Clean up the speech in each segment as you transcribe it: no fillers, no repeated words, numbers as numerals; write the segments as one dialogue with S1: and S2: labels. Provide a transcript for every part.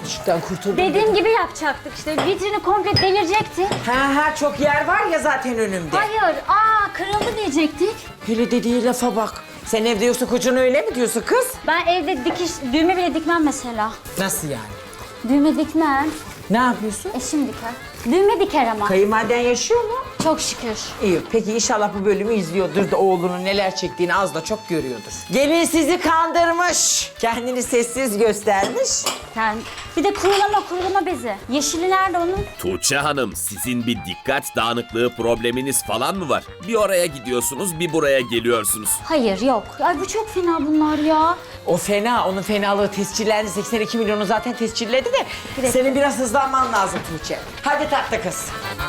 S1: Düşükten kurtuldum.
S2: Dediğim gibi yapacaktık işte. Vitrini komple devirecektik.
S1: Ha çok yer var ya zaten önümde.
S2: Hayır. Kırıldı diyecektik.
S1: Hele dediği lafa bak. Sen evde yoksa kocan öyle mi diyorsun kız?
S2: Ben evde düğme bile dikmem mesela.
S1: Nasıl yani?
S2: Düğme dikmem.
S1: Ne yapıyorsun?
S2: Eşim diker. Düğme diker ama.
S1: Kayınvaliden yaşıyor mu?
S2: Çok şükür.
S1: İyi. Peki inşallah bu bölümü izliyordur da oğlunun neler çektiğini az da çok görüyordur. Gelin sizi kandırmış. Kendini sessiz göstermiş.
S2: Yani bir de kurulama bezi. Yeşili nerede onun?
S3: Tuğçe Hanım, sizin bir dikkat dağınıklığı probleminiz falan mı var? Bir oraya gidiyorsunuz, bir buraya geliyorsunuz.
S2: Hayır yok. Ay bu çok fena bunlar ya.
S1: O fena. Onun fenalığı tescillendi. 82 milyonu zaten tescilledi de.
S2: Evet.
S1: Senin biraz hızlanman lazım Tuğçe. Hadi tatlı kız.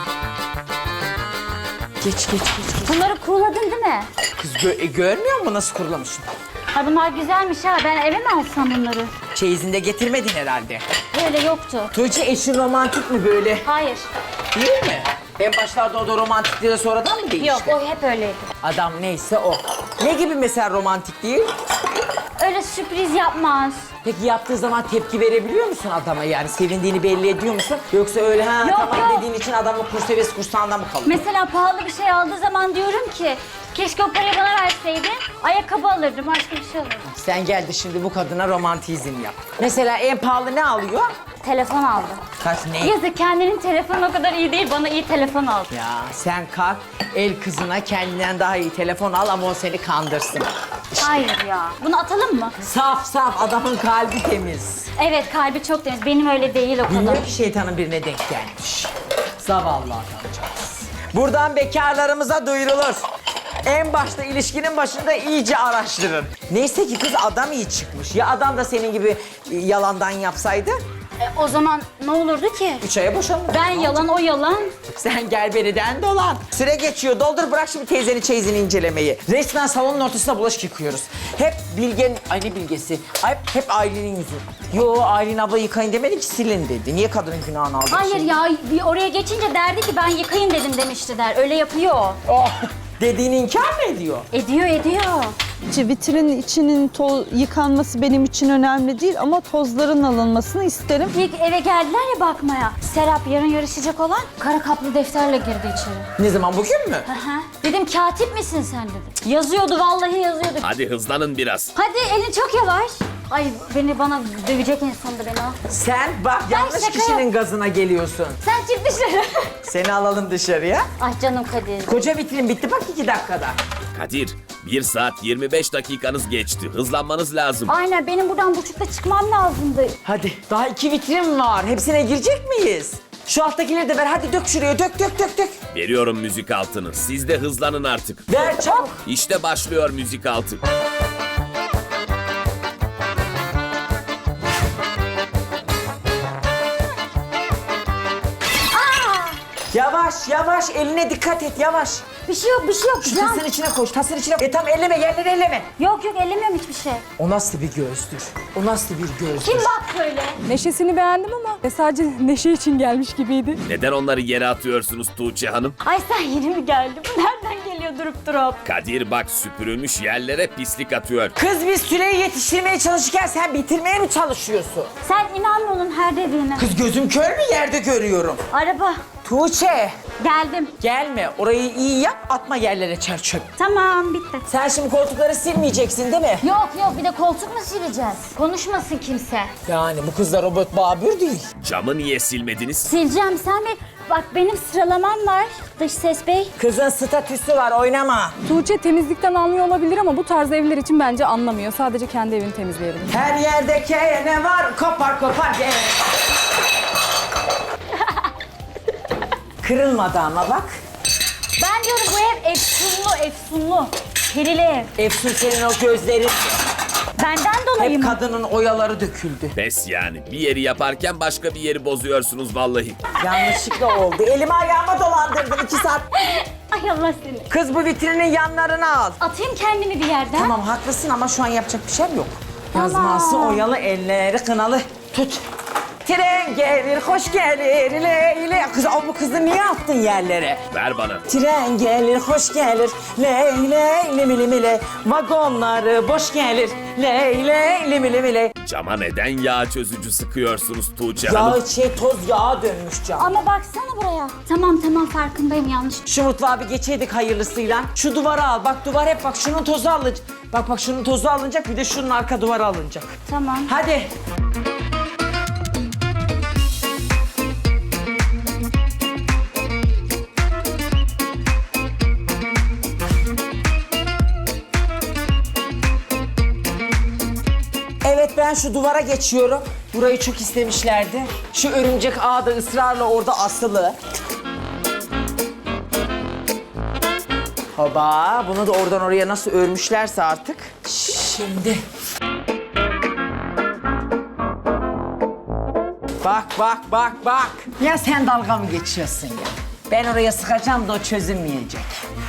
S1: Geç.
S2: Bunları kuruladın değil mi?
S1: Kız görmüyor musun nasıl kurulamışım?
S2: Ha bunlar güzelmiş ha. Ben eve mi alsam bunları?
S1: Çeyizinde getirmedin herhalde.
S2: Öyle yoktu.
S1: Tuğçe eşin romantik mi böyle?
S2: Hayır.
S1: Değil mi? En başlarda o da romantikti de sonradan mı değişti?
S2: Yok o hep öyleydi.
S1: Adam neyse o. Ne gibi mesela romantik değil?
S2: Öyle sürpriz yapmaz.
S1: Peki yaptığı zaman tepki verebiliyor musun adama yani? Sevindiğini belli ediyor musun? Yoksa öyle
S2: Yok,
S1: tamam
S2: yok.
S1: dediğin için adamın kurs seviyesi kursağında mı kalıyor?
S2: Mesela pahalı bir şey aldığı zaman diyorum ki keşke o parayı bana verseydin. Ayakkabı alırdım, başka bir şey alırdım.
S1: Sen geldi şimdi bu kadına romantizm yap. Mesela en pahalı ne alıyor?
S2: Telefon aldı.
S1: Kaç ne?
S2: Yazık kendinin telefonu o kadar iyi değil, bana iyi telefon aldı.
S1: Ya sen kalk el kızına kendinden daha iyi telefon al ama o seni kandırsın.
S2: Hayır ya. Bunu atalım mı?
S1: Saf adamın kalbi temiz.
S2: Evet kalbi çok temiz. Benim öyle değil o kadar.
S1: Bilmiyor ki şeytanın birine denk gelmiş. Zavallı adamcağız. Buradan bekarlarımıza duyurulur. En başta ilişkinin başında iyice araştırın. Neyse ki kız adam iyi çıkmış. Ya adam da senin gibi yalandan yapsaydı?
S2: O zaman ne olurdu ki?
S1: 3 aya boşanır.
S2: Ben yalan, o yalan.
S1: Sen gel beriden dolan. Süre geçiyor. Doldur bırak şimdi teyzenin çeyizini incelemeyi. Resmen salonun ortasına bulaşık yıkıyoruz. Hep Bilge'nin... Ay ne Bilge'si? Hep Aylin'in yüzü. Yo Aylin abla yıkayın demedi ki silin dedi. Niye kadının günahını aldın?
S2: Hayır
S1: şimdi?
S2: ya bir oraya geçince derdi ki ben yıkayın dedim demişti der. Öyle yapıyor o.
S1: Oh, dediğini inkar mı ediyor?
S2: Ediyor.
S4: Vitrinin içinin yıkanması benim için önemli değil ama tozların alınmasını isterim.
S2: İlk eve geldiler ya bakmaya. Serap yarın yarışacak olan kara kaplı defterle girdi içeri.
S1: Ne zaman bugün mü?
S2: Aha. Dedim katip misin sen dedim. Yazıyordu vallahi yazıyordu.
S3: Hadi hızlanın biraz.
S2: Hadi elin çok yavaş. Ay bana dövecek en sonunda beni o.
S1: Sen bak yanlış
S2: şaka
S1: kişinin gazına geliyorsun.
S2: Sen çık dışarı.
S1: Seni alalım dışarıya.
S2: Ah canım Kadir.
S1: Koca vitrin bitti bak 2 dakikada.
S3: Kadir, 1 saat 25 dakikanız geçti. Hızlanmanız lazım.
S2: Aynen benim buradan buçukta çıkmam lazımdı.
S1: Hadi daha 2 vitrin var. Hepsine girecek miyiz? Şu alttakileri de ver. Hadi dök şuraya. Dök.
S3: Veriyorum müzik altını. Siz de hızlanın artık.
S1: Ver çabuk.
S3: İşte başlıyor müzik altı.
S1: Yavaş. Eline dikkat et. Yavaş.
S2: Bir şey yok.
S1: Şu
S2: Can.
S1: tasın içine koş. Tasın içine. Tam elleme. Yerleri elleme.
S2: Yok ellemiyorum hiçbir şey.
S1: O nasıl bir gözdür? O nasıl bir gözdür?
S2: Kim bak böyle?
S5: Neşesini beğendim ama sadece neşe için gelmiş gibiydi.
S3: Neden onları yere atıyorsunuz Tuğçe Hanım?
S2: Ay sen yeni mi geldin? Bu nereden geliyor durup?
S3: Kadir bak süpürülmüş yerlere pislik atıyor.
S1: Kız biz süreyi yetiştirmeye çalışırken sen bitirmeye mi çalışıyorsun?
S2: Sen inanma onun her dediğine.
S1: Kız gözüm kör mü yerde görüyorum.
S2: Araba.
S1: Tuğçe
S2: Geldim.
S1: gelme orayı iyi yap atma yerlere çer çöp.
S2: Tamam bitti.
S1: Sen şimdi koltukları silmeyeceksin değil mi?
S2: Yok bir de koltuk mu sileceğiz? Konuşmasın kimse.
S1: Yani bu kız da robot babür değil.
S3: Camı niye silmediniz?
S2: Sileceğim sen bir... Bak benim sıralamam var dış ses bey.
S1: Kızın statüsü var oynama.
S5: Tuğçe temizlikten anlıyor olabilir ama bu tarz evler için bence anlamıyor. Sadece kendi evini temizleyebilir.
S1: Her yerde ne var kopar gel. Kırılmadı ama bak.
S2: Ben diyorum bu ev efsunlu. Perili ev.
S1: Efsun senin o gözlerin.
S2: Benden dolayı
S1: Hep
S2: mı?
S1: kadının oyaları döküldü.
S3: Pes yani. Bir yeri yaparken başka bir yeri bozuyorsunuz vallahi.
S1: Yanlışlıkla oldu. Elimi ayağıma dolandırdın 2 saat.
S2: Ay Allah seni.
S1: Kız bu vitrinin yanlarını al.
S2: Atayım kendimi bir yerden.
S1: Tamam haklısın ama şu an yapacak bir şey yok. Yazması oyalı elleri kınalı. Tut. Tren gelir, hoş gelir, leyle. Kız, bu kızı niye attın yerlere?
S3: Ver bana.
S1: Tren gelir, hoş gelir, leyle, limili limili. Vagonları boş gelir, leyle, limili limili.
S3: Cama neden yağ çözücü sıkıyorsunuz Tuğçe Hanım?
S1: Toz yağa dönmüş cam.
S2: Ama baksana buraya. Tamam farkındayım, yanlış.
S1: Şu mutfağa bir geçeydik hayırlısıyla. Şu duvara al. Bak duvar hep bak şunun tozu alınacak. Bak şunun tozu alınacak, bir de şunun arka duvarı alınacak.
S2: Tamam.
S1: Hadi. Evet, ben şu duvara geçiyorum. Burayı çok istemişlerdi. Şu örümcek ağı da ısrarla orada asılı. Hoba, bunu da oradan oraya nasıl örmüşlerse artık. Şimdi. Bak. Ya sen dalga mı geçiyorsun ya? Ben oraya sıkacağım da o çözülmeyecek.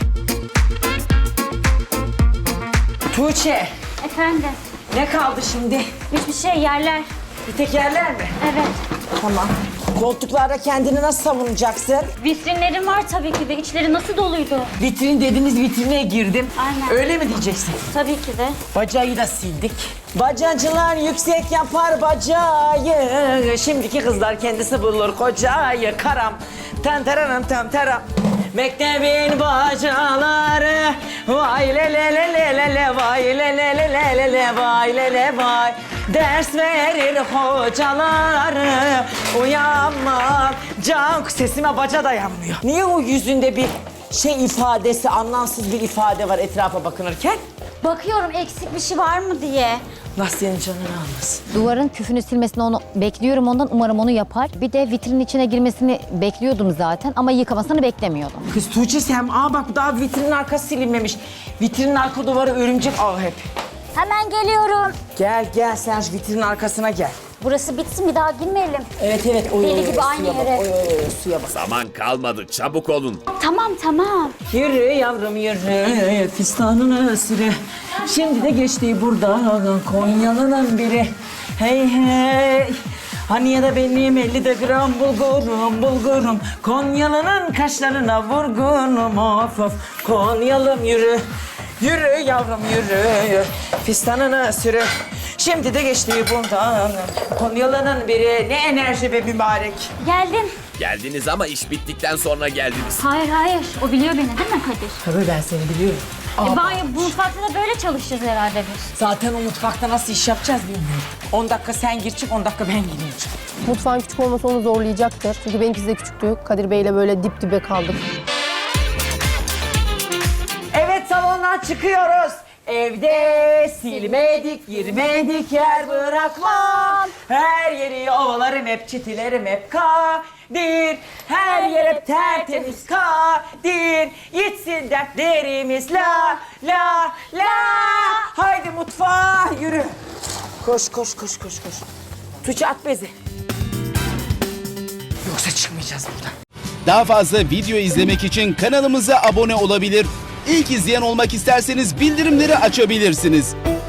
S1: Tuğçe,
S2: Efendim,
S1: ne kaldı şimdi?
S2: hiçbir şey, yerler.
S1: Bir tek yerler mi?
S2: Evet.
S1: Tamam. Koltuklarda kendini nasıl savunacaksın?
S2: Vitrinlerim var tabii ki de. İçleri nasıl doluydu?
S1: Vitrin dediniz, vitrine girdim.
S2: Aynen.
S1: Öyle mi diyeceksin?
S2: Tabii ki de.
S1: Bacağı da sildik. Bacacılar yüksek yapar bacağı. Şimdiki kızlar kendisi bulur kocayı. Karam, tenteranım tenteram. Mektebin bacaları. Vay le le le le le le vay le le le le le le vay le le vay. Ders verir hocaları. Uyanmam. Can sesime baca dayanmıyor. Niye o yüzünde bir ifadesi, anlamsız bir ifade var etrafa bakınırken?
S2: Bakıyorum eksik bir şey var mı diye.
S1: Allah senin canını almasın.
S6: Duvarın küfünü silmesini onu bekliyorum ondan. Umarım onu yapar. Bir de vitrinin içine girmesini bekliyordum zaten ama yıkamasını beklemiyordum.
S1: Kız Tuğçe sen, bak daha vitrinin arkası silinmemiş. Vitrinin arka duvarı örümcek ağı hep.
S2: Hemen geliyorum.
S1: Gel sen şu vitrinin arkasına gel.
S2: Burası bitsin, bir daha girmeyelim.
S1: Evet.
S2: Deli gibi aynı
S1: suya bak,
S2: yere.
S1: Suya bak.
S3: Zaman kalmadı, çabuk olun.
S2: Tamam.
S1: Yürü yavrum yürü, fistanını sürü. Şimdi de geçti buradan Konyalı'nın biri. Hey. Hani ya da benim 50 gram bulgurum. Konyalı'nın kaşlarına vurgunum of. Konyalım yürü. Yürü yavrum yürü, fistanını sürü. Şimdi de geçti buradan Konyalı'nın biri. Ne enerji be mübarek.
S2: Geldim.
S3: Geldiniz ama iş bittikten sonra geldiniz.
S2: Hayır. O biliyor beni değil mi Kadir?
S1: Tabii ben seni biliyorum.
S2: Bu mutfakta da böyle çalışacağız herhalde biz.
S1: Zaten o mutfakta nasıl iş yapacağız bilmiyorum. 10 dakika sen gir çık, 10 dakika ben gireyim çık.
S7: Mutfağın küçük olması onu zorlayacaktır. Çünkü benimkisi de küçüktü. Kadir Bey'le böyle dip dibe kaldık.
S1: Evet, salondan çıkıyoruz. Evde silmedik, girmedik, yer bırakmam. Her yeri ovalarım hep, çitilerim hep Kadir. Her yer hep tertemiz Kadir. Gitsin dertlerimiz la. Haydi mutfağa yürü. Koş. Tuğçe at bezi. Yoksa çıkmayacağız buradan.
S8: Daha fazla video izlemek için kanalımıza abone olabilir. İlk izleyen olmak isterseniz bildirimleri açabilirsiniz.